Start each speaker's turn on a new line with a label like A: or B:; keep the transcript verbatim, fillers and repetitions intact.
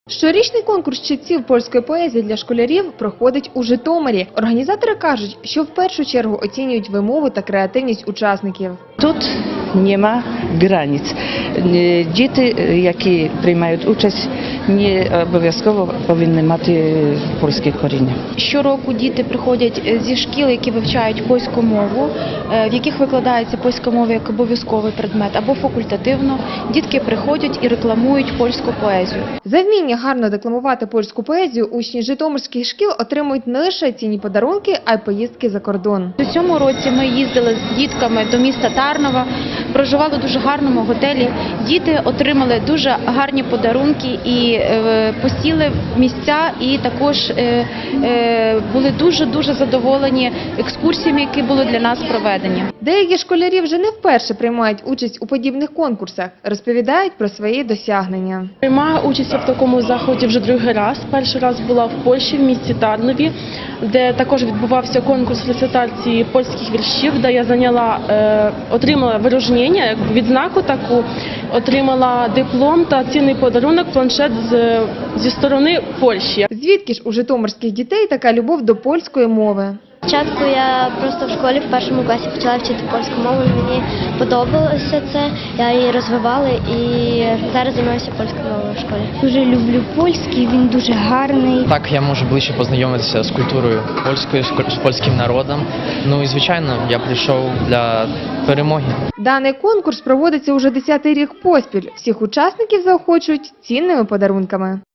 A: Щорічний конкурс читців польської поезії для школярів проходить у Житомирі. Організатори кажуть, що в першу чергу оцінюють вимову та креативність учасників.
B: Тут нема границь. Діти, які приймають участь, не обов'язково повинні мати польське коріння.
C: Щороку діти приходять зі шкіл, які вивчають польську мову, в яких викладається польська мова як обов'язковий предмет або факультативно. Дітки приходять і рекламують польську поезію.
A: За вміння гарно декламувати польську поезію учні житомирських шкіл отримують не лише цінні подарунки, а й поїздки за кордон.
C: У цьому році ми їздили з дітками до міста Тарнова, проживали в дуже гарному готелі. Діти отримали дуже гарні подарунки і е, посіли в місця, і також е, е, були дуже-дуже задоволені екскурсіями, які були для нас проведені.
A: Деякі школярі вже не вперше приймають участь у подібних конкурсах, розповідають про свої досягнення.
D: Приймаю участь в такому заході вже другий раз. Перший раз була в Польщі, в місті Тарнові, де також відбувався конкурс рецитації польських віршів, де я зайняла, е, отримала вирожнення, як відзнаку таку, отримала диплом та цінний подарунок, планшет з, зі сторони Польщі.
A: Звідки ж у житомирських дітей така любов до польської мови?
E: Спочатку я просто в школі в першому класі почала вчити польську мову, мені подобалося це, я її розвивала і зараз займаюся польською мовою в школі.
F: Дуже люблю польський, він дуже гарний.
G: Так я можу ближче познайомитися з культурою польською, з польським народом. Ну і звичайно, я прийшов для перемоги.
A: Даний конкурс проводиться уже десятий рік поспіль. Всіх учасників заохочують цінними подарунками.